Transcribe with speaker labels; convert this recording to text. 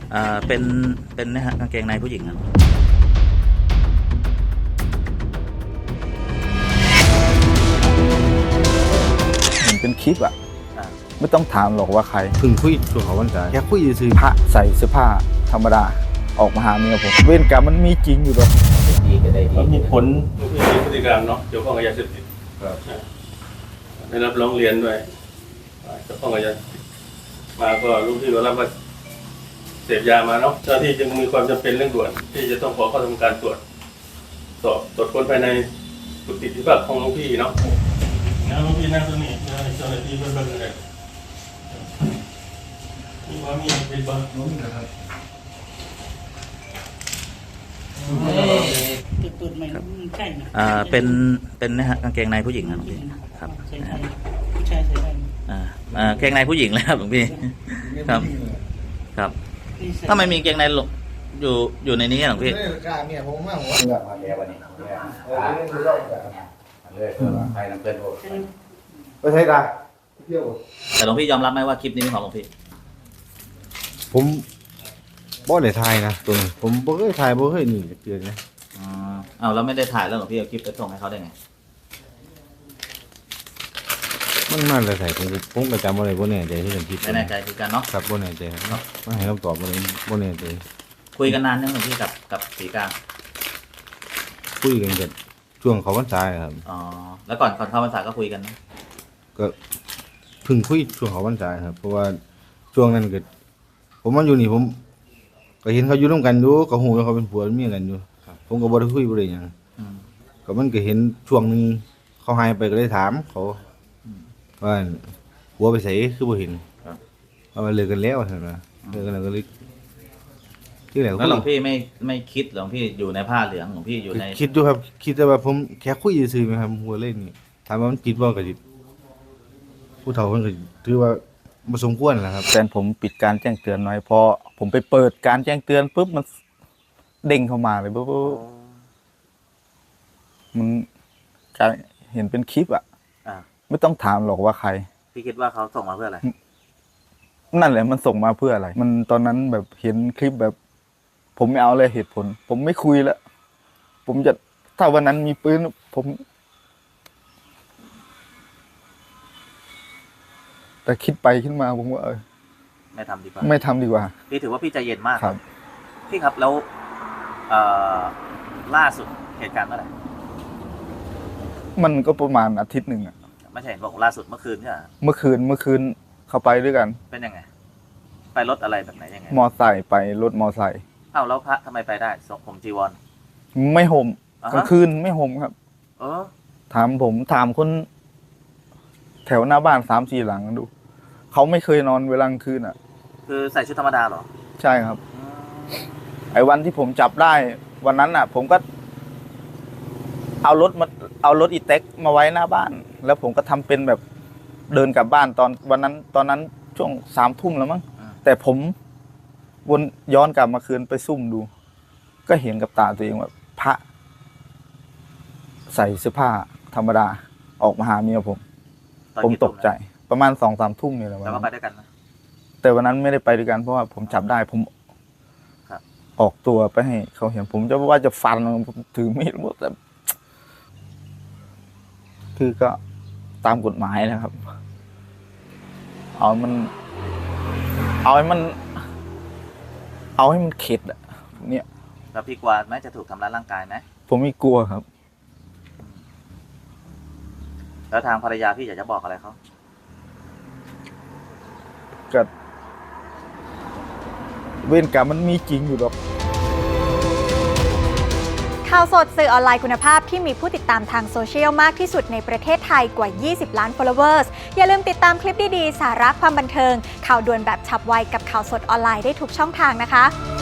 Speaker 1: เป็นนะฮะกางเกงในผู้หญิงครับ
Speaker 2: เหมือนเป็นคลิปอะไม่ต้องถามหรอกว่าใครพึ่งคุยช่วงเขาวันจ่ายแค่คุยซื้อพระใส่เสื้อผ้าธรรมดาออกมาหาเมียผมเวรกรรมมันมีจริงอยู่หรอก
Speaker 1: ดีก็ได้ดี
Speaker 3: มีผลมีพฤติกรรมเนาะเกี่ยวข้องกับยาเสพติดได้รับร้องเรียนด้วยเกี่ยวข้องกับยามาก็ลูกพี่ก็รับว่าเสพยามาเนาะเจ้าที่จึงมีความจำเป็นเร่งด่วนที่จะต้องขอเข้าทำการตรวจค้นภายในกุฏิที่พักของลูกพี่เนาะลูกพี่นั่งตรงนี้เจ้าหน้าที่เพิ่มเลยมีว่ามีเป็นบ้างน้องนะครับ
Speaker 4: ตุดๆมันใช่ไหม
Speaker 1: เป็นนะฮะกางเกงในผู้หญิงครับหลวงพี่ครับ
Speaker 4: ผู้ชายใส่ได้
Speaker 1: กางเกงในผู้หญิงเลยครับหลวงพี่ครับครับถ้าไม่มีกางเกงในอยู่ในนี้หลวงพี่
Speaker 2: กล้าเมียผมมากหัวเลือกมาเมียวันนี้เลยใครนำเพื่อนโอ้ก็ใช่ได้เที่ยว
Speaker 1: แต่หลวงพี่ยอมรับไหมว่าคลิปนี้เป็นของหลวงพี่
Speaker 2: ผมบ่ได้ถ่ายนะตัวนี้ผมบ่เคยถ่ายบ่เคยนี่เกินนะ
Speaker 1: เอาแล้วไม่ได้ถ่ายแล้วหลวงพี่เอาคลิปไปส่งให้เขาได้ไง
Speaker 2: มันเลยใส่ผมประจำอะไรบ่แน่ใจที่เป็นคลิป
Speaker 1: ไม่แน่ใจคือกันเนาะ
Speaker 2: ครับบ่แน่ใจครับไม่ให้คำตอบบ่แน่ใจ
Speaker 1: คุยกันนานยังหลวงพี่กับศรีกา
Speaker 2: คุยกันกันช่วงเขาพรรษาครับ
Speaker 1: แล้วก่อนเข้าพรรษาก็คุยกันนะ
Speaker 2: ก็เพิ่งคุยช่วงเขาพรรษาครับเพราะว่าช่วงนั้นเกิดผมมาอยู่นี่ผมก็เห็นเขาอยู่ร่วมกันอยู่ก็หูว่าเขาเป็นผัวเป็นเมียกันอยู่ผมก็บ่ได้คุยบ่ได้หยังก็มันก็เห็นช่วงนึงเขาหายไปก็เลยถามเขาว่าผัวไปไสคือบ่เห็นว่าเลิกกันแล้วซั่นว่าเลิกกันแล้วก็เลยที่ไหน
Speaker 1: แล้วหลวงพี่ไม่คิดหลวงพี่อยู่ในผ้าเหลืองหลวงพี่อยู่ใน
Speaker 2: คิดอยู่ครับคิดแต่ว่าผมแค่คุยซื่อๆมั้ยครับหัวเล่นนี่ถามว่ามันผิดบ่ก็สิผู้เฒ่าเพิ่นก็ถือว่าบ่สมควรนะครับแต่ผมปิดการแจ้งเตือนไว้พอผมไปเปิดการแจ้งเตือนปุ๊บมันเด้งเข้ามาเลยปุ๊บมันการเห็นเป็นคลิปอ่ะไม่ต้องถามหรอกว่าใคร
Speaker 1: พี่คิดว่าเขาส่งมาเพื่ออะไร
Speaker 2: นั่นแหละมันส่งมาเพื่ออะไรมันตอนนั้นแบบเห็นคลิปแบบผมไม่เอาเลยเหตุผลผมไม่คุยแล้วผมจะถ้าวันนั้นมีปืนผมแต่คิดไปขึ้นมาผมว่า
Speaker 1: ไม่ทำดีกว่าพี่ถือว่าพี่ใจเย็นมาก
Speaker 2: ครับ
Speaker 1: พี่ครับแล้วล่าสุดเหตุการณ์เมื่อไหร่
Speaker 2: มันก็ประมาณอาทิตย์หนึ่งอ่ะ
Speaker 1: ไม่ใช่บอกล่าสุดเมื่อคืนใช่ไหม
Speaker 2: เมื่อคืนเข้าไปด้วยกัน
Speaker 1: เป็นยังไงไปรถอะไรแบบไหนยังไง
Speaker 2: มอไซค์ไปรถมอไซค์
Speaker 1: แล้วพระทำไมไปได้ผมจีวร
Speaker 2: ไม่ห่มกลางคืนไม่ห่มครับถามคนแถวหน้าบ้าน 3-4 หลังดูเขาไม่เคยนอนเวลากลางคืนอ่ะ
Speaker 1: คือใส่ชุดธรรมดาเหรอ
Speaker 2: ใช่ครับไอ้วันที่ผมจับได้วันนั้นอ่ะผมก็เอารถอีแท็กมาไว้หน้าบ้านแล้วผมก็ทำเป็นแบบเดินกลับบ้านตอนนั้นช่วง 3 ทุ่มแล้วมั้งแต่ผมวนย้อนกลับมาคืนไปซุ่มดูก็เห็นกับตาตัวเองว่าพระใส่เสื้อผ้าธรรมดาออกมาหาเมียผมตกใจประมาณ 2-3 ทุ่มนี่แหละ
Speaker 1: แล้วก็ไปด้วยกันนะ
Speaker 2: แต่วันนั้นไม่ได้ไปด้วยกันเพราะว่าผมจับได้ผมออกตัวไปให้เขาเห็นผมจะว่าจะฟันผมถือมีดหมดแต่คือก็ตามกฎหมายนะครับเอาให้มันเข็ดอะเนี่ย
Speaker 1: แล้วพี่กลัวไหมจะถูกทำร้ายร่างกายไหม
Speaker 2: ผมไม่กลัวครับ
Speaker 1: แล้วทางภรรยาพี่อยากจะบอกอะไรเขา
Speaker 2: ก็เวรกรรมมันมีจริงอยู่หรอก
Speaker 5: ข่าวสดสื่อออนไลน์คุณภาพที่มีผู้ติดตามทางโซเชียลมากที่สุดในประเทศไทยกว่า 20 ล้าน followers อย่าลืมติดตามคลิปดีๆสาระความบันเทิงข่าวด่วนแบบฉับไวกับข่าวสดออนไลน์ได้ทุกช่องทางนะคะ